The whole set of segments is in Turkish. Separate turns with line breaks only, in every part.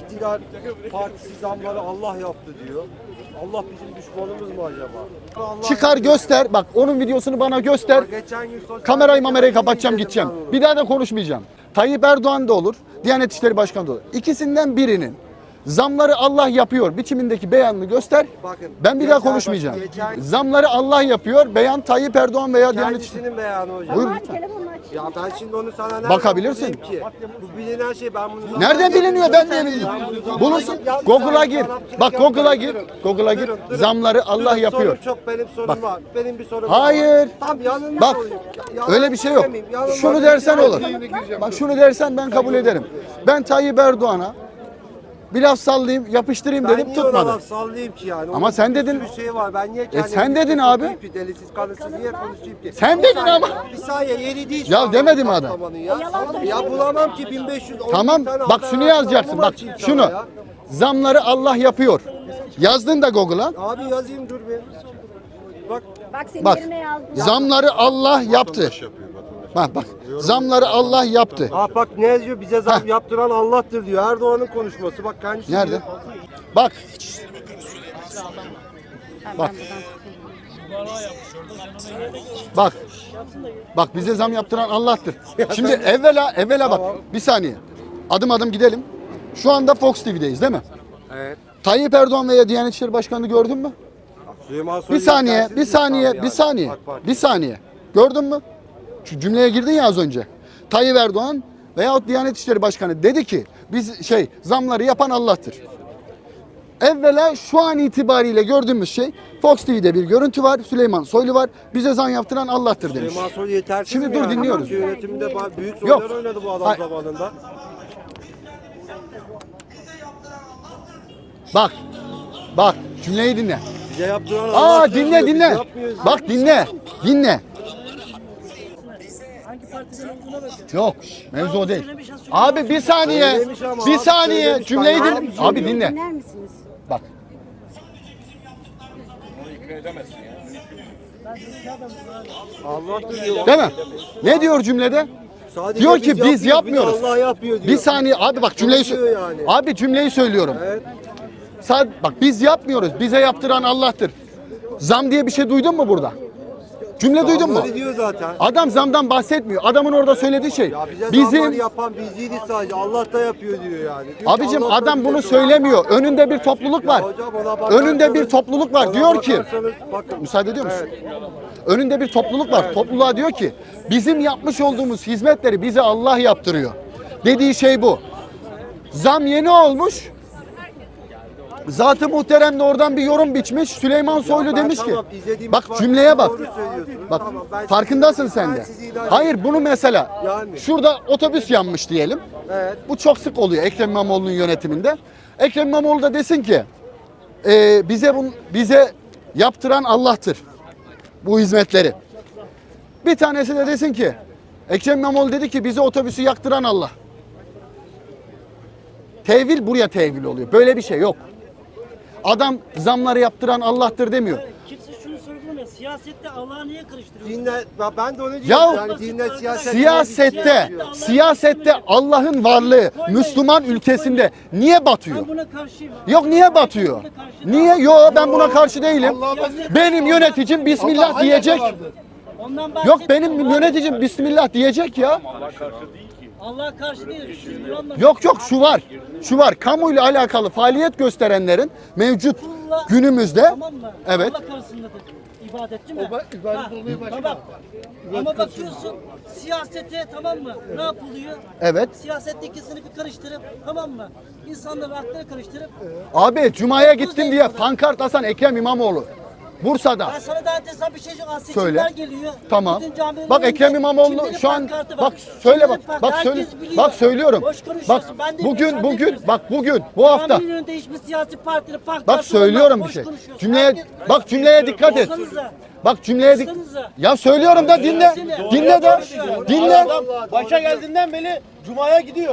iktidar partisi zamları Allah yaptı diyor. Allah bizim düşmanımız mı acaba? Allah
Çıkar göster. Bak onun videosunu bana göster.
Geçen gün sosyal
Kamerayı
medyada
mamerayı kapatacağım
izledim
gideceğim.
ben onu.
Bir daha da konuşmayacağım. Tayyip Erdoğan da olur. Diyanet İşleri Başkanı da olur. İkisinden birinin zamları Allah yapıyor biçimindeki beyanını göster.
Bakın,
Ben bir daha
geçen-
konuşmayacağım.
geçen-
Zamları Allah yapıyor. Beyan Tayyip Erdoğan veya Diyanet İşleri.
Kendisinin beyanı hocam.
Buyur.
Ya ben şimdi onu sana nereden
Bakabilirsin.
bulayım ki? Bu bilinen şey, ben bunu
Nereden biliniyor, ben niye bileyim? Bulursun. Google'a gir. Bak Google'a gir. Google'a gir. Zamları Allah yapıyor.
Sorum çok, benim sorum
Bak.
var. Benim bir sorum
Hayır.
var. Tam yanılmış
Bak
olayım. Yalan
öyle bir şey yok.
demeyeyim, yanılmak
Şunu dersen
için
olur.
gireceğim.
Bak şunu dersen ben kabul ederim. Ben Tayyip Erdoğan'a bir laf sallayayım, yapıştırayım
Ben
dedim,
niye ona
tutmadı.
laf sallayayım ki yani?
Ama
Onun
sen
bir
dedin-
sürü şey var. Ben niye kendimi
sen dedin
bir
abi.
sokayım ki? Delisiz kanıtsız niye konuşayım ki?
Sen
Bir
dedin
saniye,
ama.
Bir saniye, yeri değil.
Ya
şu an
demedim
bu
adam.
patlamanın Ya. Ya bulamam ki 1500.
Tamam bak şunu yazacaksın. Bak şunu. Zamları Allah yapıyor. Yazdın da Google'a.
Abi yazayım, dur bir. Bak.
Bak senin
Bak.
yerine yazdım.
Zamları Allah yaptı. Bak. Zamları Allah yaptı.
Bak ne yazıyor? Bize zam yaptıran Allah'tır diyor. Erdoğan'ın konuşması. Bak kendisi
Nerede?
diyor.
Bak. Bak. Bak. Bak bize zam yaptıran Allah'tır. Şimdi evvela bak. Bir saniye. Adım adım gidelim. Şu anda Fox TV'deyiz değil mi?
Evet.
Tayyip Erdoğan veya Diyanet İşleri Başkanı'nı gördün mü?
Süleyman Soylu
Bir saniye,
yetersiz
bir saniye,
insan
bir
yani.
saniye,
AK Parti.
bir saniye. Gördün mü? Şu cümleye girdin ya az önce. Tayyip Erdoğan veyahut Diyanet İşleri Başkanı dedi ki biz zamları yapan Allah'tır. Evvela şu an itibariyle gördüğümüz şey Fox TV'de bir görüntü var. Süleyman Soylu var. Bize zam yaptıran Allah'tır demiş.
Süleyman Soylu yetersiz
Şimdi
mi
dur,
yani?
dinliyoruz.
Türkiye yönetiminde büyük
Yok.
roller oynadı bu adam
Hayır.
zamanında.
Bak. Bak cümleyi dinle.
Bize yaptıran Allah
Aa dinle dinle. Bak dinle. Dinle. Yok mevzu o değil. Abi bir saniye.
Söylemiş ama
Bir
abi,
saniye
söylemiş.
cümleyi
Ben
dinle. Abi dinle.
Dinler misiniz?
Bak.
Allah'tır diyor.
Değil mi? Ne diyor cümlede?
Sadece
Diyor ki biz
yapmıyoruz,
yapmıyoruz.
bir de Allah yapıyor diyor.
Bir saniye abi bak cümleyi
Diyor yani.
Abi cümleyi söylüyorum.
Evet.
Bak biz yapmıyoruz. Bize yaptıran Allah'tır. Zam diye bir şey duydun mu burada? Cümle duydun mu?
Öyle diyor zaten.
Adam zamdan bahsetmiyor. Adamın orada söylediği şey.
Ya bize
Bizim
zamları yapan biz değiliz sadece. Allah da yapıyor diyor yani. Diyor ki
abicim
Allah da
adam
bize
bunu
diyor.
söylemiyor. Önünde bir topluluk var.
Ya hocam ona bakarsanız-
Önünde bir topluluk var.
ona
Diyor ki
bakarsanız bakın.
müsaade ediyor musun?
Evet.
Önünde bir topluluk var. Topluluğa diyor ki bizim yapmış olduğumuz hizmetleri bize Allah yaptırıyor. Dediği şey bu. Zam yeni olmuş. Zat-ı Muhterem de oradan bir yorum biçmiş. Süleyman Soylu
Ben
demiş ki
tamam, izlediğimiz
bak
var,
cümleye bak.
doğru söylüyorsunuz.
Bak
Tamam, ben
farkındasın
sizi-
sen
ben
de.
sizi idare
Hayır bunu mesela
Yani.
şurada otobüs yanmış diyelim.
Evet.
Bu çok sık oluyor Ekrem İmamoğlu'nun yönetiminde. Ekrem İmamoğlu da desin ki bize yaptıran Allah'tır bu hizmetleri. Bir tanesi de desin ki Ekrem İmamoğlu dedi ki bize otobüsü yaktıran Allah. Tevil buraya tevil oluyor. Böyle bir şey yok. Adam zamları yaptıran Allah'tır demiyor.
Kimse şunu sorgulamıyor. Siyasette Allah'ı niye karıştırıyor?
Dinle, ben de onu
Ya
diyorum. Yani dinle siyaset.
Siyasette Allah'ın varlığı Müslüman ülkesinde niye batıyor?
Ben buna karşıyım.
Yok niye batıyor? Niye? Yok ben buna karşı değilim. Benim yöneticim Bismillah diyecek.
Ondan
Yok benim yöneticim Bismillah diyecek ya.
Allah'a karşı değil. Siz bunu anlamayın.
Yok şu var. Şu var. Kamuyla alakalı faaliyet gösterenlerin mevcut günümüzde
Tamam mı?
evet.
Allah karşısındadır. İbadetçi mi? İbadet olmaya başlıyor. Ama bakıyorsun siyasete tamam mı? Ne yapılıyor?
Evet.
Siyasette ikisini bir karıştırıp tamam mı? İnsanların aklını karıştırıp
Abi Cuma'ya gittim diye pankart asan Ekrem İmamoğlu. Bursa'da.
ben sana daha enteresan bir şey söyleyeyim.
Söyle.
Seçimler geliyor.
Tamam.
Bütün camilerin
Bak Ekrem
önünde
İmamoğlu
kimlerin
şu an
pankartı var.
bak söyle
Kimlerin
bak.
pankartı,
Bak söyle.
herkes biliyor.
Bak söylüyorum.
Boş
Bak
konuşuyorsun. Ben de biliyorum, sen de biliyorsun.
bugün bu hafta.
Caminin önünde hiçbir siyasi partinin pankartı
Bak söylüyorum
olmaz,
bir şey.
boş konuşuyorsun.
Cümleye
Herkes-
bak cümleye dikkat et.
Olsanıza.
Bak cümleye dik.
Olsanıza.
Ya söylüyorum da dinle. Dinle de. Dinle.
Başa geldiğinden beri Cuma'ya gidiyor.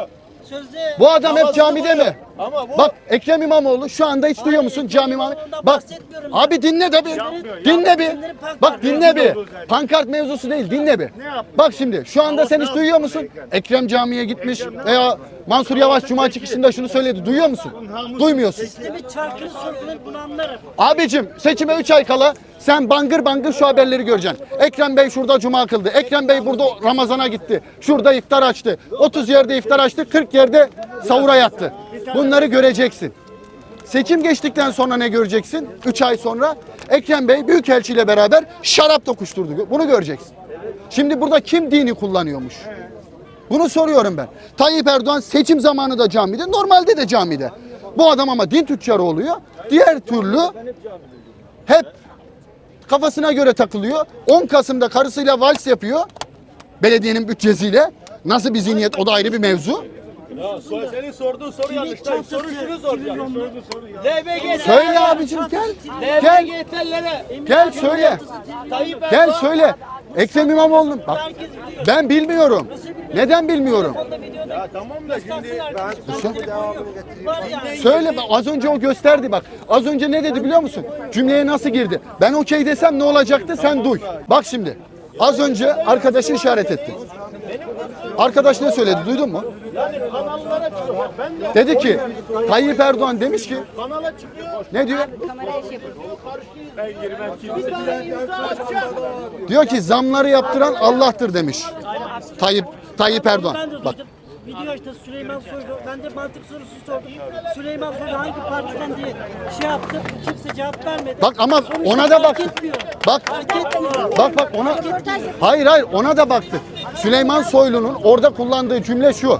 Sözde
Bu adam hep camide mi?
Ama bu
Bak Ekrem İmamoğlu şu anda hiç duyuyor musun cami imamı?
İmamoğlu'ndan
Bak
bahsetmiyorum.
abi dinle de bir. Dinle bir. Bak dinle bir. Pankart mevzusu değil dinle bir. Bak şimdi şu anda sen hiç duyuyor musun? Ekrem camiye gitmiş veya Mansur Yavaş cuma çıkışında şunu söyledi. Duyuyor musun? Duymuyorsun.
sistemin çarkını sorgulayıp bunu anlarım.
Abicim seçime 3 ay kala sen bangır bangır şu haberleri göreceksin. Ekrem Bey şurada cuma kıldı. Ekrem Bey burada Ramazan'a gitti. Şurada iftar açtı. 30 yerde iftar açtı. 40 yerde sahura yattı. Bunları göreceksin. Seçim geçtikten sonra ne göreceksin? 3 ay sonra Ekrem Bey Büyükelçi ile beraber şarap tokuşturdu. Bunu göreceksin. Şimdi burada kim dini kullanıyormuş? Bunu soruyorum ben. Tayyip Erdoğan seçim zamanı da camide, normalde de camide. Bu adam ama din tüccarı oluyor. Diğer türlü hep kafasına göre takılıyor. 10 Kasım'da karısıyla vals yapıyor. Belediyenin bütçesiyle. Nasıl bir zihniyet o da ayrı bir mevzu.
senin sorduğun soru yanlış.
çantası,
Soru şunu
kimin
soracağım.
yolunu?
LBG
Söyle abicim gel. Gel.
LBG'lere
Gel söyle.
Tayyip
Gel
Erdoğan
söyle. Ekrem İmamoğlu'nun bak
Herkes biliyor.
ben bilmiyorum.
Neden
bilmiyorum?
Ya tamam da şimdi
Var yani.
Söyle bak, az önce o gösterdi bak. Az önce ne dedi biliyor musun? Cümleye nasıl girdi? Ben okey desem ne olacaktı sen duy. Bak şimdi. Az önce arkadaşı işaret etti. Arkadaş ne söyledi duydun mu?
kanallara çıkıyor. Ben de
Dedi ki Tayyip Erdoğan demiş ki
kanala çıkıyor.
ne diyor?
Ben girmem kimse. Bir tane imza atacağım.
Diyor ki zamları yaptıran Allah'tır demiş. Tayyip Erdoğan.
Ben de
Bak
duydum. Video işte Süleyman Soylu. Ben de mantık sorusu sordum. Süleyman Soylu hangi partiden diye şey yaptı. Kimse cevap vermedi.
bak ama
Sonuçta
ona da
fark
baktı.
etmiyor.
Bak
Fark etmiyor.
bak ona hayır ona da baktı. Süleyman Soylu'nun orada kullandığı cümle şu.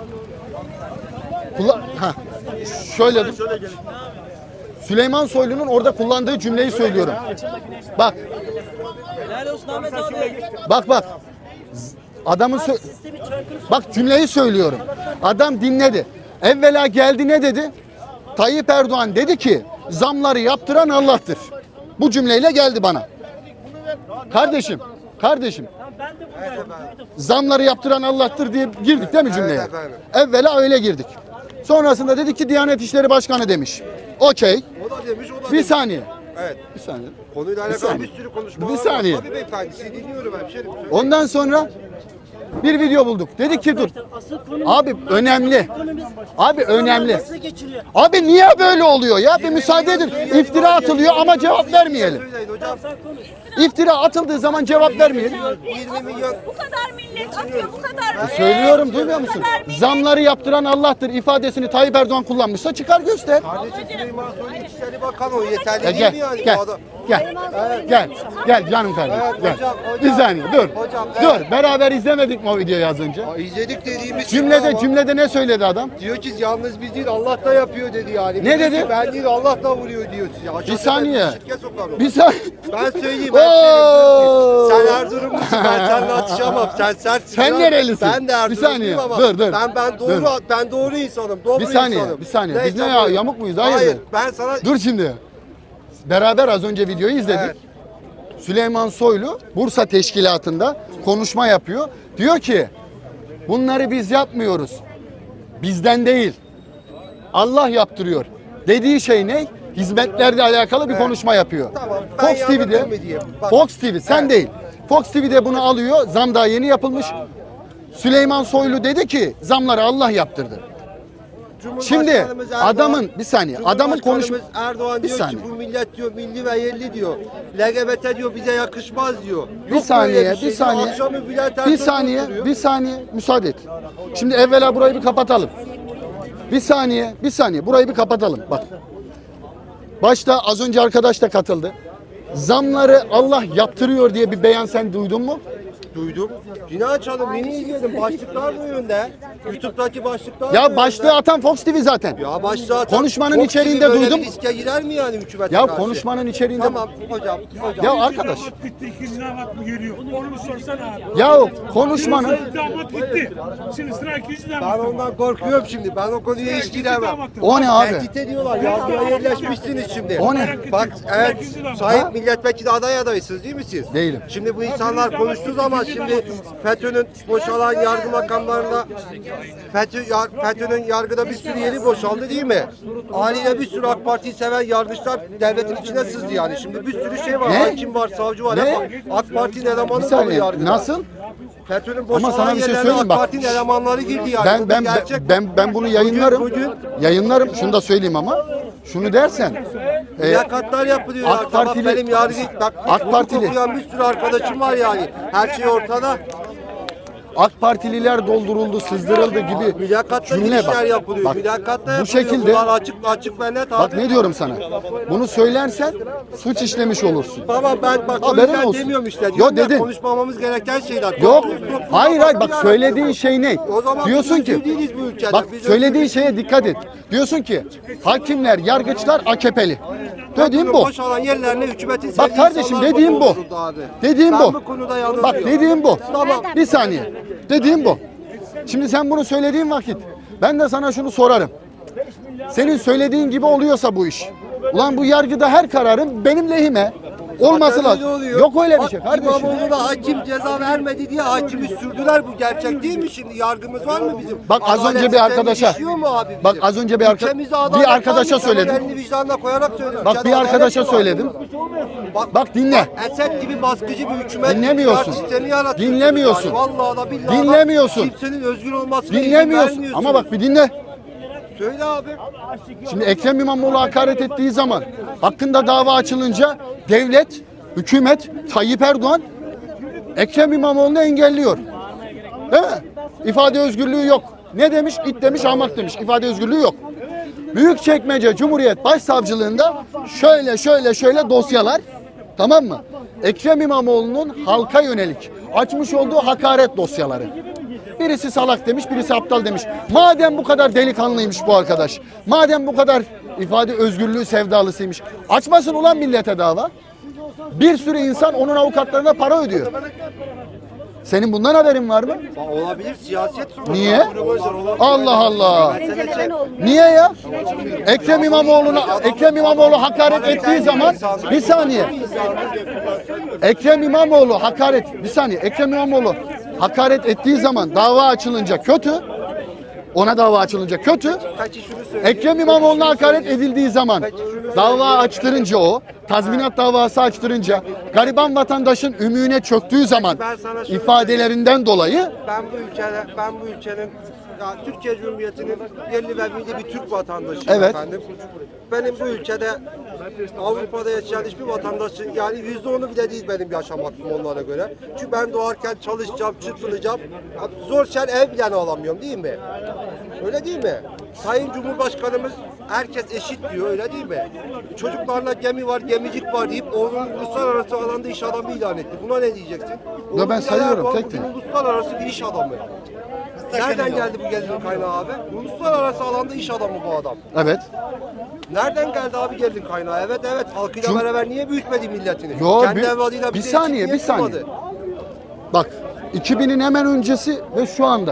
Şöyle Süleyman Soylu'nun orada kullandığı cümleyi söylüyorum. Bak.
Helal olsun Ahmet abi.
Bak. Adamın
Sistemin çarkını
bak cümleyi söylüyorum. Adam dinledi. Evvela geldi ne dedi? Tayyip Erdoğan dedi ki zamları yaptıran Allah'tır. Bu cümleyle geldi bana. Kardeşim.
Ben de buradayım. Duydum.
Zamları yaptıran Allah'tır diye girdik değil mi cümleye?
Evet efendim.
Evvela öyle girdik. Sonrasında dedi ki Diyanet İşleri Başkanı demiş. Okey.
O da demiş, o da
Bir
demiş.
saniye.
Evet.
Bir saniye.
Konuyla
Bir
alakalı
saniye.
bir sürü konuşma
Bir
var.
saniye.
Tabii beyefendi, sizi dinliyorum hemşerim.
Ondan sonra bir video bulduk. Dedik ki dur.
Arkadaşlar, asıl konumuz
Abi
bunlar.
önemli.
Ekonomimiz
Abi
zamanla
önemli.
Nasıl geçiriyor?
Abi niye böyle oluyor ya? Bir müsaade edin. İftira atılıyor ama cevap vermeyelim.
Söyleyin hocam.
Sen konuş.
İftira atıldığı zaman cevap vermeyelim.
20 milyon.
Bu kadar millet atıyor, bu kadar.
Söylüyorum duymuyor musun? Zamları yaptıran Allah'tır ifadesini Tayyip Erdoğan kullanmışsa çıkar göster.
Kardeşim Süleyman Soylu İçişleri Bakanı o yeterli değil
Gel
mi yani?
gel
Bu adam?
gel canım kardeşim
Evet,
gel.
hocam.
Bir saniye dur.
Hocam,
Dur beraber izlemedik mi o videoyu az önce?
İzledik dediğimiz
Cümlede ne söyledi adam?
diyor ki yalnız biz değil Allah da yapıyor dedi yani.
Ne
Diyor
dedi?
ki, ben değil Allah da vuruyor diyor size. Aşağıda
Bir saniye.
ben şirket sokarım.
Bir saniye.
Ben söyleyeyim
Oo!
hemşerim. Sen Erzurumlusun, ben seninle atışamam. Sen sertsin.
Sen
lan.
nerelisin?
Ben de
Bir
Erzurumluyum
saniye,
ama
dur.
ben doğru insanım. Doğru
Bir saniye,
insanım.
bir saniye. Biz
Neyse,
ne ya,
buyur.
yamuk muyuz? Hayırdır?
Hayır, ben sana...
Dur şimdi. Beraber az önce videoyu izledik.
Evet.
Süleyman Soylu Bursa Teşkilatı'nda konuşma yapıyor. Diyor ki bunları biz yapmıyoruz. Bizden değil. Allah yaptırıyor. Dediği şey ne? Hizmetlerle alakalı bir konuşma yapıyor.
Tamam, ben
Fox TV'de
yanıldım mı diyeyim. Bak.
Fox TV sen
Evet.
değil. Fox TV'de bunu alıyor. Zam daha yeni yapılmış. Süleyman Soylu dedi ki zamları Allah yaptırdı. Şimdi
Cumhurbaşkanımız Erdoğan-
adamın bir saniye adamın konuş
Cumhurbaşkanımız Erdoğan
bir
diyor
saniye.
ki bu millet diyor milli ve yerli diyor. LGBT diyor bize yakışmaz diyor.
Bir
Yok
saniye,
böyle şey.
bir saniye.
Akşamı Bülent
Bir
Ersoy
saniye,
oturuyor.
bir saniye müsaade et. Şimdi evvela burayı bir kapatalım. Bir saniye burayı bir kapatalım. Bak. Başta az önce arkadaş da katıldı. Zamları Allah yaptırıyor diye bir beyan sen duydun mu?
Duydum. Yine açalım, yeni izledim. Başlıklar bu yönde. YouTube'daki başlıklar bu
Ya
yönde.
başlığı atan Fox TV zaten.
Ya başlığı
Konuşmanın
Fox
içeriğinde
TV böyle
duydum.
bir riske girer mi yani hükümete
Ya
karşı?
konuşmanın içeriğinde
Tamam hocam.
Ya arkadaş.
Damat gitti, ikinci damat mı geliyor? Onu mu sorsana abi?
Ya konuşmanın
Birinci damat gitti. Şimdi sıra ikinci
Ben
damat.
ondan korkuyorum şimdi. Ben o konuya hiç giremem.
o ne abi?
Tehdit ediyorlar. Yazmaya yerleşmişsiniz şimdi.
O ne?
Bak evet
Ha?
sahip milletvekili aday adaysınız değil mi siz?
Değilim.
Şimdi bu insanlar konuştuğu zaman şimdi FETÖ'nün boşalan yargı makamlarında FETÖ'nün yargıda bir sürü yeri boşaldı değil mi? Haliyle bir sürü AK Parti'yi seven yargıçlar devletin içine sızdı yani. Şimdi bir sürü şey var.
Ne?
Hakim var, savcı var.
Ne?
Hep AK Parti'nin
Bir
elemanı dolu
saniye.
yargıda.
Nasıl?
FETÖ'nün
Ama
boşalan
sana bir şey
yerlerine
söyleyeyim
AK
bak.
Parti'nin elemanları girdi yani. Bu bir gerçek.
Ben bunu yayınlarım.
Bugün
Yayınlarım. Şunu da söyleyeyim ama. Şunu dersen.
mülakatlar yapılıyor.
AK
AK Partili,
Partili-
benim yargı bak,
AK Partili-
okuyan bir sürü arkadaşım var yani. Her şey ortada.
AK Partililer dolduruldu, sızdırıldı gibi
Mülakatta
cümle
girişler
bak.
yapılıyor.
Bak,
Mülakatta
bu
yapılıyor.
şekilde
Bunlar açık ve net
bak
abi.
ne diyorum sana. Bunu söylersen suç işlemiş olursun.
Baba ben bak o
Haberin
yüzden
olsun.
demiyorum işte.
Yo,
Diyorum ya,
dedin.
konuşmamamız gereken şeyler.
Yok.
Toplum
Hayır
kafasını
bak
yaratıyor.
söylediğin şey ne?
O zaman
Diyorsun
biz
ki
özgür değiliz bu ülkede.
bak
Biz
söylediğin
özgür
şeye dikkat et. Diyorsun ki hakimler, yargıçlar AKP'li. Dediğim bu.
Boşalan yerlerine hükümetin
Bak
sevdiği
kardeşim
insanlar
dediğim bu.
dolduruldu abi.
Dediğim
Ben
bu.
bu konuda yanılıyorum.
Bak dediğim bu.
Tamam.
Bir saniye. Dediğim bu. Şimdi sen bunu söylediğin vakit ben de sana şunu sorarım. Senin söylediğin gibi oluyorsa bu iş. Ulan bu yargıda her kararın benim lehime olması
Zaten öyle
lazım.
oluyor.
Yok öyle bir
Bak,
şey kardeşim.
İmamoğlu'na hakim ceza vermedi diye hakimi sürdüler. Bu gerçek değil mi şimdi? Yargımız var mı bizim?
Bak az
Adalet
önce bir
sistemi
arkadaşa.
işliyor mu abi bizim?
Bak az önce bir
Ülkemizde adalet
bir arkadaşa
var mı? Sen
söyledim.
elini vicdanına koyarak söylüyorum.
Bak
Ülkede
bir
adalet
arkadaşa
mi var?
söyledim. Bak dinle.
Esed gibi baskıcı bir hükümet
Dinlemiyorsun.
sistemi yaratıyor.
Dinlemiyorsun.
Yani vallahi da billahi da
Dinlemiyorsun.
kimsenin özgür olmasına izin
Dinlemiyorsun.
vermiyorsun.
Ama bak bir dinle.
Söyle abi.
Şimdi Ekrem İmamoğlu hakaret ettiği zaman hakkında dava açılınca devlet, hükümet, Tayyip Erdoğan Ekrem İmamoğlu'nu engelliyor. Değil mi? İfade özgürlüğü yok. Ne demiş? İt demiş, ahmak demiş. İfade özgürlüğü yok. Büyükçekmece Cumhuriyet Başsavcılığında şöyle dosyalar, tamam mı? Ekrem İmamoğlu'nun halka yönelik açmış olduğu hakaret dosyaları. Birisi salak demiş, birisi aptal demiş. Madem bu kadar delikanlıymış bu arkadaş, madem bu kadar ifade özgürlüğü sevdalısıymış, açmasın ulan millete dava. Bir sürü insan onun avukatlarına para ödüyor. Senin bundan haberin var mı?
Olabilir siyaset sonuçta.
Niye? Allah Allah. Niye ya? Ekrem İmamoğlu hakaret ettiği zaman bir saniye. Ekrem İmamoğlu hakaret ettiği zaman dava açılınca kötü. Ona dava açılınca kötü.
Peki şunu söyle.
Ekrem İmamoğlu'na hakaret edildiği zaman dava açtırınca tazminat davası açtırınca gariban vatandaşın ümüğüne çöktüğü zaman ifadelerinden dolayı
Ben bu ülkenin ya Türkiye Cumhuriyeti'nin yerli ve milli bir Türk vatandaşıyım
Evet.
efendim. Benim bu ülkede Avrupa'da yaşayan hiçbir vatandaşın yani %10'u bile değil benim yaşam hakkım onlara göre. Çünkü ben doğarken çalışacağım, çırpınacağım. Zor şer ev bile alamıyorum değil mi? Öyle değil mi? Sayın Cumhurbaşkanımız herkes eşit diyor öyle değil mi? Çocuklarla gemi var, gemicik var deyip onun uluslararası alanda iş adamı ilan etti. Buna ne diyeceksin?
Ya ben sayıyorum,
Erdoğan
tek tek.
bugün uluslararası bir iş adamı. Nereden geldi bu gelirin kaynağı abi? Uluslararası alanda iş adamı bu adam.
evet.
Nereden geldi abi gelirin kaynağı? Evet halkıyla beraber niye büyütmedi milletini?
Yo,
Kendi
bir-
evladıyla
bir
bize
saniye,
eşit niye
bir saniye.
kılmadı?
Bak 2000'in hemen öncesi ve şu anda.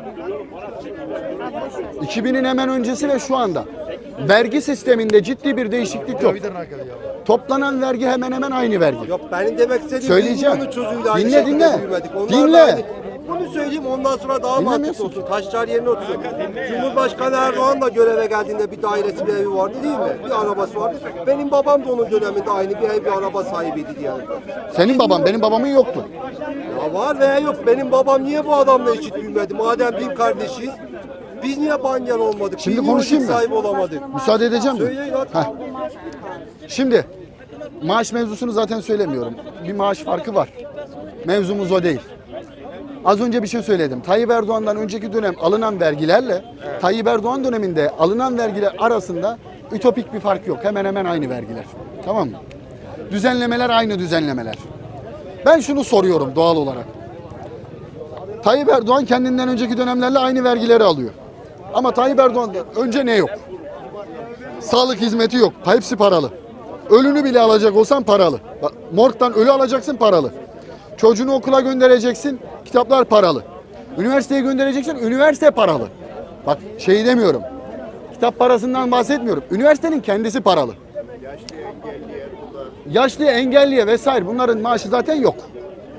2000'in hemen öncesi ve şu anda. Vergi sisteminde ciddi bir değişiklik yok. Toplanan vergi hemen hemen aynı vergi.
Yok benim demek istediğim
Söyleyeceğim.
biz onun çocuğuyla aynı
Dinle,
şekilde
dinle.
büyümedik. Onlar
Dinle.
da aynı. Bunu söyleyeyim ondan sonra daha mantıklı
Dinlemiyorsun.
olsun. Taşlar yerine otursun. Cumhurbaşkanı Erdoğan da göreve geldiğinde bir dairesi bir evi vardı değil mi? Bir arabası vardı. Benim babam da onun döneminde aynı bir ev bir araba sahibiydi yani.
Senin baban, benim babamın yoktu.
Ya var veya yok. Benim babam niye bu adamla eşit büyümedi? Madem bir kardeşiz. Biz niye banyan olmadık?
Şimdi
Biz niye
konuşayım
vakit
mı?
sahibi olamadık?
Müsaade edeceğim mi?
Söyleyin hadi.
Heh. Şimdi maaş mevzusunu zaten söylemiyorum. Bir maaş farkı var. Mevzumuz o değil. Az önce bir şey söyledim. Tayyip Erdoğan'dan önceki dönem alınan vergilerle Tayyip Erdoğan döneminde alınan vergiler arasında ütopik bir fark yok. Hemen hemen aynı vergiler. Tamam mı? Düzenlemeler aynı düzenlemeler. Ben şunu soruyorum doğal olarak. Tayyip Erdoğan kendinden önceki dönemlerle aynı vergileri alıyor. Ama Tayyip Erdoğan'dan önce ne yok? Sağlık hizmeti yok. Hepsi paralı. Ölünü bile alacak olsan paralı. Bak, morgdan ölü alacaksın paralı. Çocuğunu okula göndereceksin, kitaplar paralı. Üniversiteye göndereceksin, üniversite paralı. Bak şey demiyorum. Kitap parasından bahsetmiyorum. Üniversitenin kendisi paralı. Yaşlı, engelliye vesaire bunların maaşı zaten yok.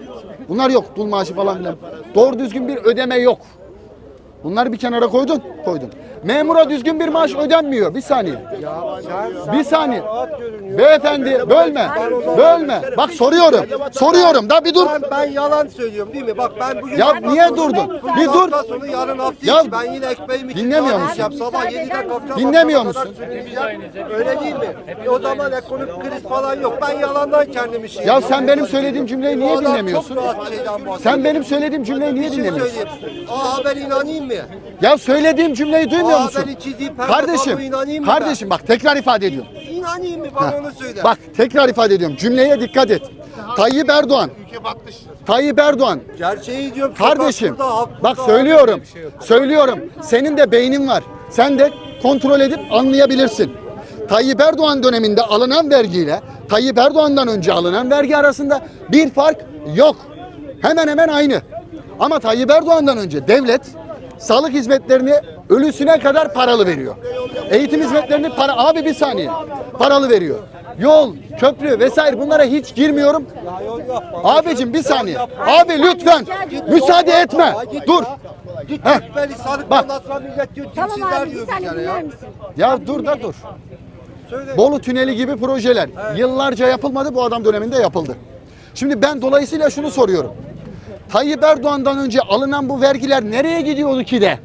Bunlar yok. Dul maaşı falan filan. Doğru düzgün bir ödeme yok. Bunları bir kenara koydun. Memura düzgün bir maaş ödenmiyor. Bir saniye. Bir saniye. Beyefendi bölme. Bak soruyorum. Da bir dur.
Ben yalan söylüyorum değil mi? Bak ben bugün...
Ya niye durdun? Bir dur.
Hafta sonu yarın hafta
Ya
içi ben yine ekmeğimi
dinlemiyor musun?
Sabah 7'den kalkacağım.
Dinlemiyor
akşama
musun?
kadar sürüneceğim. Öyle değil mi? O zaman ekonomik kriz falan yok. Ben yalandan kendimi şey...
Ya sen benim söylediğim cümleyi niye
Bu adam
dinlemiyorsun?
Çok rahat şeyden bahsediyor.
Sen benim söylediğim cümleyi niye
Bir şey
dinlemiyorsun?
söyleyeyim. Haber inanayım mı?
Ya söylediğim cümleyi duymuyor musun?
Haberi çizdiği pembe tabloya inanayım mı
Kardeşim bak tekrar ifade ediyorum.
İnanayım mı? Bana onu söyle.
Bak tekrar ifade ediyorum. Cümleye dikkat et. Tayyip Erdoğan.
Gerçeği diyorum.
Kardeşim
sokak burada, halk
bak
burada.
söylüyorum. Senin de beynin var. Sen de kontrol edip anlayabilirsin. Tayyip Erdoğan döneminde alınan vergiyle Tayyip Erdoğan'dan önce alınan vergi arasında bir fark yok. Hemen hemen aynı. Ama Tayyip Erdoğan'dan önce devlet sağlık hizmetlerini ölüsüne kadar paralı veriyor. Eğitim hizmetlerini abi bir saniye. Paralı veriyor. Yol, köprü vesaire bunlara hiç girmiyorum. Abicim bir saniye. Abi lütfen müsaade etme. Dur.
Git
Heh.
Cübbeli Sarık
Bak.
ondan sonra millet diyor
Tamam
tipsizler
abi bir
diyor
saniye
bir kere
dinler
ya.
misin?
Ya dur.
Söyle.
Bolu Tüneli gibi projeler yıllarca yapılmadı, bu adam döneminde yapıldı. Şimdi ben dolayısıyla şunu soruyorum. Tayyip Erdoğan'dan önce alınan bu vergiler nereye gidiyordu ki de?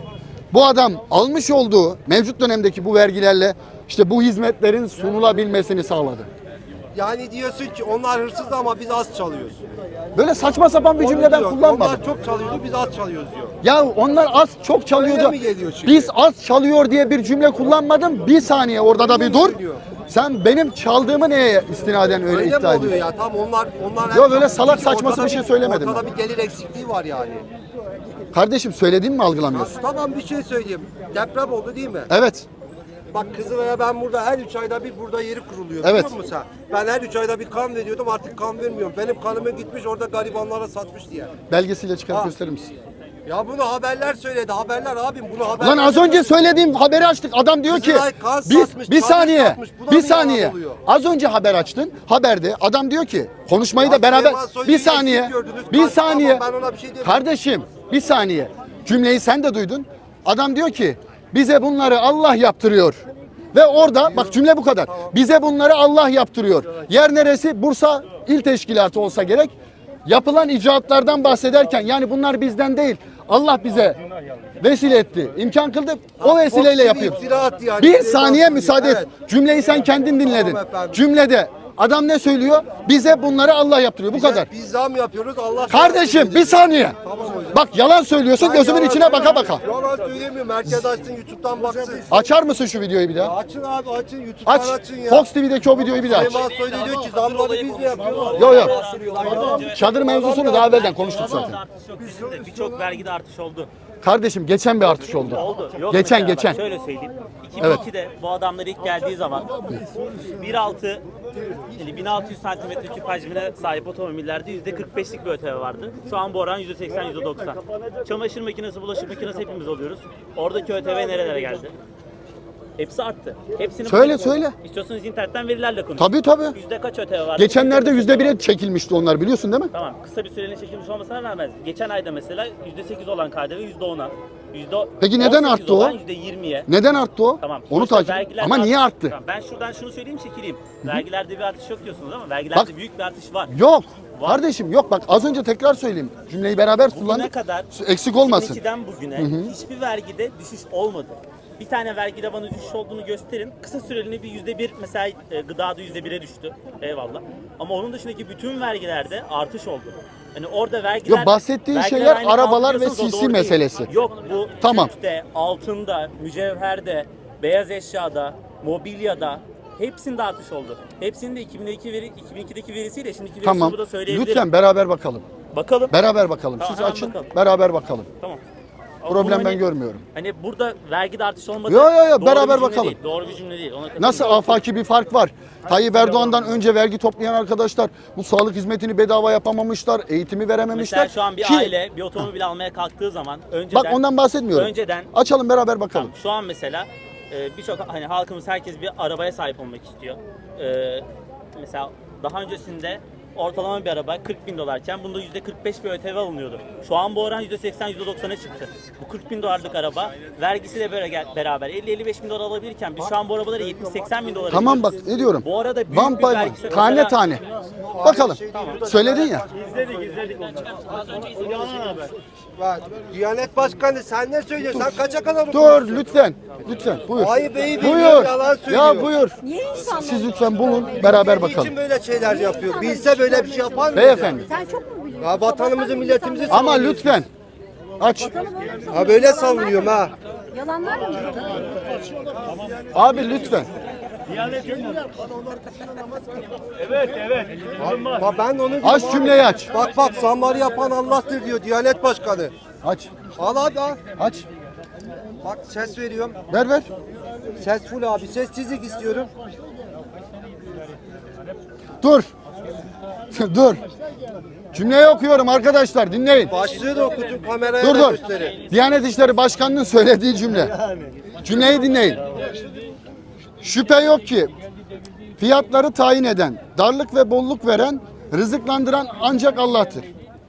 Bu adam almış olduğu mevcut dönemdeki bu vergilerle işte bu hizmetlerin sunulabilmesini sağladı.
Yani diyorsun ki onlar hırsız ama biz az çalıyoruz.
Böyle saçma sapan bir cümle ben
Diyor,
kullanmadım.
Onlar çok çalıyordu biz az çalıyoruz diyor.
Ya onlar az çok çalıyordu.
Öyle mi geliyor çünkü?
Biz az çalıyor diye bir cümle kullanmadım. Bir saniye orada da bir dur.
geliyor?
Sen benim çaldığımı neye istinaden öyle
Öyle mi
iddia
oluyor
ediyorsun?
ya? Tam onlar
Yok, öyle salak
Çünkü
saçması
ortada
bir şey söylemedim
Ortada
ben.
bir gelir eksikliği var yani.
Kardeşim söylediğimi mi algılamıyorsun?
Tamam bir şey söyleyeyim. Deprem oldu değil mi?
Evet.
Bak Kızılay'a ben burada her 3 ayda bir burada yeri kuruluyor.
Evet.
Biliyor musun sen? Ben her 3 ayda bir kan veriyordum artık kan vermiyorum. Benim kanımı gitmiş orada garibanlara satmış diye.
Belgesiyle çıkarıp
Ha.
gösterir misin?
Ya bunu haberler söyledi. Haberler abim bunu haber.
Lan az önce söylediğim haberi açtık. Adam diyor ki
Kızılay kan
biz
satmış,
bir
kan
saniye.
satmış. Bu da
Bir
mı yalan
saniye.
oluyor?
Az önce haber açtın. Haberde adam diyor ki konuşmayı da
Ya
beraber
Süleyman Soylu'yu
bir saniye.
eksik gördünüz,
Bir
karşı
saniye.
tamam, ben ona bir şey demiyorum.
Kardeşim bir saniye. Cümleyi sen de duydun. Adam diyor ki bize bunları Allah yaptırıyor. Ve orada bak cümle bu kadar. Bize bunları Allah yaptırıyor. Yer neresi? Bursa İl Teşkilatı olsa gerek. Yapılan icraatlardan bahsederken yani bunlar bizden değil. Allah bize vesile etti. İmkan kıldı. O vesileyle
Fox
yapıyor.
iftira attı yani.
Bir
Süleyman
saniye
Soylu.
müsaade et.
Evet.
Cümleyi sen kendin dinledin.
Tamam efendim.
Cümlede adam ne söylüyor? Bize bunları Allah yaptırıyor. Bu kadar.
Biz zam yapıyoruz Allah.
Kardeşim bir saniye.
Tamam hocam.
Bak yalan söylüyorsun
Ben
gözümün
yalan
içine baka baka.
Yalan söylemiyorum. Herkes açsın YouTube'dan baksın.
Açar mısın şu videoyu bir daha?
Açın abi açın YouTube'dan
Aç.
açın ya.
Fox TV'deki o videoyu bir daha aç.
Süleyman Soylu diyor ki zamları biz mi yapıyoruz?
Yok yok. Çadır mevzusunu daha evvelden konuştuk zaten.
Artış yok kesinlikle. Birçok vergide artış oldu.
Kardeşim geçen bir artış oldu.
Oldu. Yok
Geçen
mesela bak
geçen.
şöyle söyleyeyim. 2002'de bu adamlar ilk geldiği zaman 1.6 yani 1600 santimetre küp hacmine sahip otomobillerde %45'lik bir ÖTV vardı. Şu an bu oran %80, %90. Çamaşır makinesi, bulaşık makinesi hepimiz alıyoruz. Oradaki ÖTV nerelere geldi? Hepsi arttı. Hepsini
Söyle.
İstiyorsanız internetten verilerle konuşun.
Tabii.
Yüzde kaç ÖTV var?
Geçenlerde %1'e çekilmişti onlar biliyorsun değil mi?
Tamam, kısa bir süreliğine çekilmiş olmasına rağmen geçen ayda mesela %8 olan KDV %10'a,
Peki neden
%18
arttı o?
olan %20'ye.
Neden arttı o?
Tamam.
Onu
sonuçta
takip.
vergilerde
Ama niye
artış-
arttı?
Tamam, ben şuradan şunu söyleyeyim çekileyim. Vergilerde bir artış yok diyorsunuz ama vergilerde
Bak.
büyük bir artış var.
Yok.
Var.
Kardeşim yok bak az önce tekrar söyleyeyim. Cümleyi beraber
Bugüne
kullandık.
kadar
Eksik olmasın.
2002'den bugüne hiçbir vergide düşüş olmadı. Bir tane vergide bana düşüş olduğunu gösterin. Kısa süreliğine bir %1 mesela gıdada %1'e düştü. Eyvallah. Ama onun dışındaki bütün vergilerde artış oldu. Hani orada vergiler...
Yok, bahsettiğin
vergiler
şeyler
aynı
arabalar ve
kaldırıyorsunuz, o
CC
doğru değil.
meselesi.
Yok bu
Tamam.
Türk'te, altında, mücevherde, beyaz eşyada, mobilyada hepsinde artış oldu. Hepsinin de 2002'deki verisiyle şimdiki verisini
Tamam.
burada söyleyebilirim.
Lütfen beraber bakalım.
Bakalım.
Beraber bakalım.
Tamam,
Siz
hemen
açın.
bakalım.
Beraber bakalım.
Tamam.
Problem
Bu
ben görmüyorum.
Hani burada vergide artış olmadı.
Yo,
Doğru
beraber
bir cümle
bakalım.
değil, doğru bir cümle değil. Ona katılıyorum.
Nasıl afaki bir fark var? Tayyip Erdoğan'dan önce vergi toplayan arkadaşlar bu sağlık hizmetini bedava yapamamışlar, eğitimi verememişler.
Mesela şu an bir
Ki-
aile bir otomobil almaya kalktığı zaman önceden...
Bak ondan bahsetmiyorum.
Önceden...
Açalım beraber bakalım.
Tamam, şu an mesela birçok hani halkımız herkes bir arabaya sahip olmak istiyor. Mesela daha öncesinde ortalama bir araba 40 bin dolarken bunda %45 bir ÖTV alınıyordu. Şu an bu oran %80, %90'a çıktı. Bu 40 bin dolarlık araba vergisiyle beraber 50-55 bin dolar alabilirken biz şu an bu arabaları 70-80 bin dolara
Tamam bak
alıyoruz.
ne diyorum.
Bu arada büyük
Bam
bir
pay
vergisi
bam, tane
mesela-
tane. Bakalım. Söyledin ya.
İzledik. Yalan haber.
Bak, Diyanet Başkanı sen ne söylüyorsun? Sen kaça kadar
Dur lütfen. Lütfen buyur.
Hayır bey bilmiyor,
Buyur.
yalan söylüyor.
Ya buyur.
Niye insanlar?
Siz lütfen bulun beraber
Niçin
bakalım.
böyle şeyler yapıyor? Bilse böyle bir şey yapar mıydı?
Beyefendi.
Sen çok mu biliyorsun?
Ya vatanımızı, milletimizi
Ama
savunuyorsun.
lütfen. Aç.
Ha böyle savunuyorum ha.
Yalanlar mı?
Abi lütfen.
Evet.
Bak ben onu diyorum
Aç
abi.
cümleyi aç.
Bak zamları yapan Allah'tır diyor Diyanet Başkanı.
Aç.
Al abi al.
Aç.
Bak ses veriyorum.
Ver.
Ses full abi. Sessizlik istiyorum.
Dur. Dur. Cümleyi okuyorum arkadaşlar dinleyin.
Başlığı da okutun kameraya
Dur
da
dur.
gösterin.
Diyanet İşleri Başkanı'nın söylediği cümle. Cümleyi dinleyin. Şüphe yok ki fiyatları tayin eden, darlık ve bolluk veren, rızıklandıran ancak Allah'tır.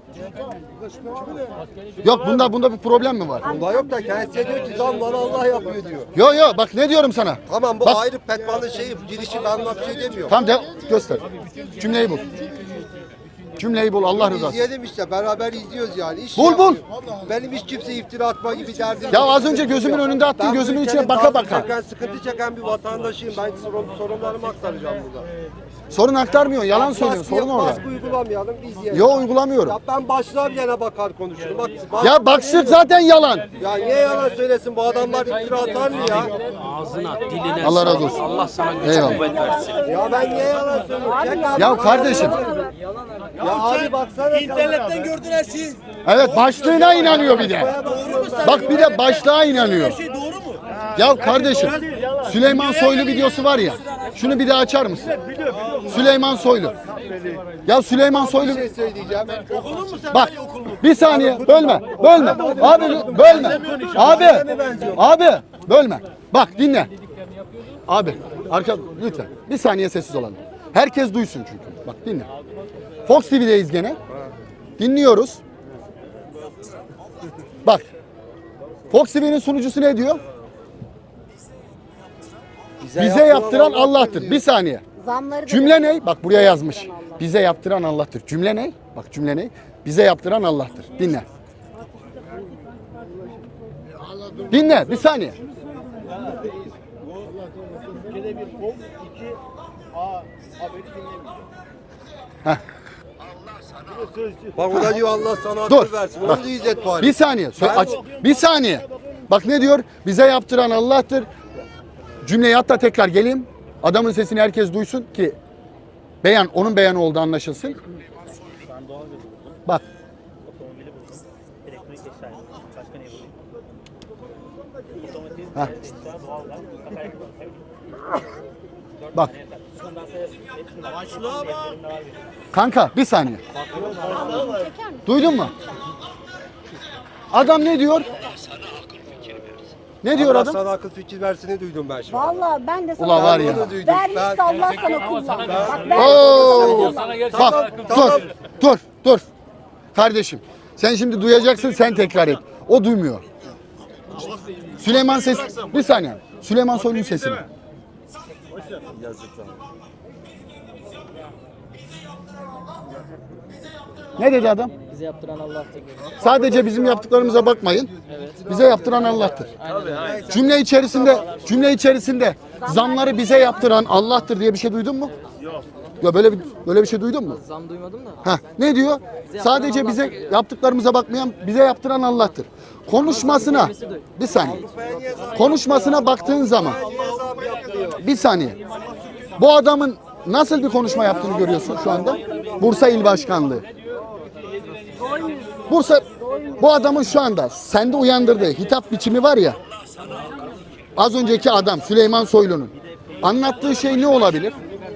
Yok bunda bir problem mi var?
Bunda yok da kendisi diyor ki zamları Allah yapıyor diyor.
Yo bak ne diyorum sana?
Tamam bu
Bak.
ayrı petmanın şeyi girişi ben ona bir şey demiyorum.
Tamam de göster. Cümleyi bul. Cümleyi bul Allah rızası.
İzleyelim işte beraber izliyoruz yani. İş
Bul, bul.
Benim hiç kimse iftira atma gibi derdim
Ya
yok.
az önce gözümün önünde attın
Ben bu
gözümün içine
ülkenin
baka
darbe
baka.
çeken, sıkıntı çeken bir vatandaşıyım. Ben sorunlarımı aktaracağım burada.
Sorun aktarmıyorsun yalan söylüyorsun sorun orada.
Baskı uygulamayalım biz yiyelim.
Yo uygulamıyorum.
Ya ben başlığa bir yana bakar konuşurum. Bak,
Ya başlık zaten yalan.
Ya niye yalan söylesin bu adamlar iftira atar mı ya?
Ağzına, diline
Allah razı
sağlık.
olsun.
Allah sana güç
Eyvallah.
kuvvet versin.
Ya ben niye yalan söylüyorum? Çek abi.
Ya kardeşim.
Ya abi baksana.
İnternetten gördün her şeyi.
Evet başlığına inanıyor bir de. Bak bir de başlığa inanıyor.
Şey doğru mu?
Ya kardeşim Süleyman Soylu videosu var ya. Şunu bir daha açar mısın? Süleyman Soylu. Ya Süleyman Soylu.
Bir şey söyleyeceğim.
Bak bir saniye bölme. Abi bölme. Abi bölme. Bak dinle. Abi arka lütfen bir saniye sessiz olalım. Herkes duysun çünkü. Bak dinle. Fox TV'deyiz gene. Dinliyoruz. Bak. Fox TV'nin sunucusu ne diyor? Bize yaptıran Allah'tır. Bir saniye.
Zamları
Cümle ne? Bak buraya yazmış. Bize yaptıran Allah'tır. Cümle ne? Bak cümle ne? Bize yaptıran Allah'tır. Dinle. Dinle bir saniye. Heh.
Bak o da diyor Allah sana
Dur.
akıl versin.
Bak.
Onu da izlet bari.
Bir saniye. Bir saniye. Bak ne diyor? Bize yaptıran Allah'tır. Cümleyi hatta tekrar geleyim. Adamın sesini herkes duysun ki onun beyanı olduğu anlaşılsın. Bak.
Elektronik eşya. Başka ne bulayım?
Heh. Bak. Kanka bir saniye. Duydun mu? Adam ne diyor? Ne diyor
Allah
adam?
sana akıl fikir versini duydum ben şimdi.
Valla ben de sana
Ulan var ya.
Onu duydum.
vermişse Allah sana kullan. Bak ben
Oo!
Tamam,
Bak dur. Kardeşim sen şimdi duyacaksın sen tekrar et. O duymuyor. Süleyman ses bir saniye. Süleyman Soylu'nun sesini. Ne dedi adam?
Bize yaptıran Allah'tır.
Sadece bizim yaptıklarımıza bakmayın. Bize yaptıran Allah'tır. Cümle içerisinde zamları bize yaptıran Allah'tır diye bir şey duydun mu? Yok. Ya böyle bir şey duydun mu?
Zam duymadım da.
Ha, ne diyor? Sadece bize yaptıklarımıza bakmayan, bize yaptıran Allah'tır. Konuşmasına bir saniye. Konuşmasına baktığın zaman bir saniye. Bu adamın nasıl bir konuşma yaptığını görüyorsun şu anda? Bursa İl Başkanlığı. Bu adamın şu anda sende uyandırdığı hitap biçimi var ya. Az önceki adam Süleyman Soylu'nun anlattığı şey ne olabilir?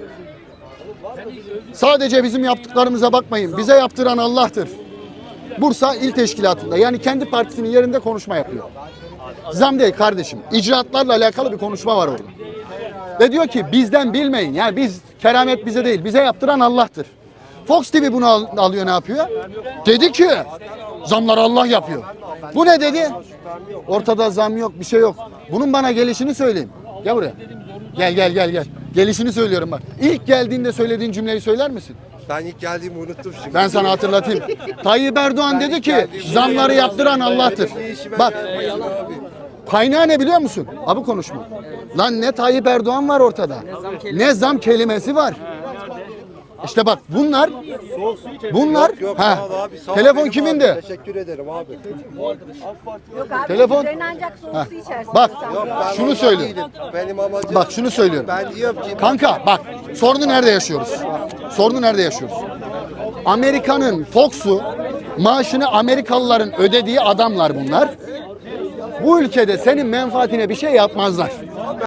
Sadece bizim yaptıklarımıza bakmayın. Bize yaptıran Allah'tır. Bursa İl Teşkilatı'nda yani kendi partisinin yerinde konuşma yapıyor. Zam değil kardeşim. İcraatlarla alakalı bir konuşma var orada. Ve diyor ki bizden bilmeyin. Yani keramet bize değil. Bize yaptıran Allah'tır. Fox TV bunu alıyor, ne yapıyor? Dedi ki zamları Allah yapıyor. Bu ne dedi? Ortada zam yok, bir şey yok. Bunun bana gelişini söyleyeyim. Gel buraya. Gel. Gelişini söylüyorum bak. İlk geldiğinde söylediğin cümleyi söyler misin?
Ben ilk geldiğimi unuttum şimdi.
Ben sana hatırlatayım. Tayyip Erdoğan dedi ki zamları yaptıran Allah'tır. Bak kaynağı ne biliyor musun? Abi konuşma. Lan ne Tayyip Erdoğan var ortada. Ne zam kelimesi var. İşte bak bunlar
Yok
ha.
sağ ol abi, sağ ol
Telefon
benim
kimindi?
abi. Teşekkür ederim abi.
Yok abi.
Telefon.
Üzerine ancak soğuk su içersin.
Bak
Yok, ben
şunu
ondan
söylüyorum.
değilim. Benim amacım.
Bak şunu söylüyorum.
Ben diyorum ki
Kanka bak sorunu nerede yaşıyoruz? Sorunu nerede yaşıyoruz? Amerika'nın Fox'u maaşını Amerikalıların ödediği adamlar bunlar. Bu ülkede senin menfaatine bir şey yapmazlar.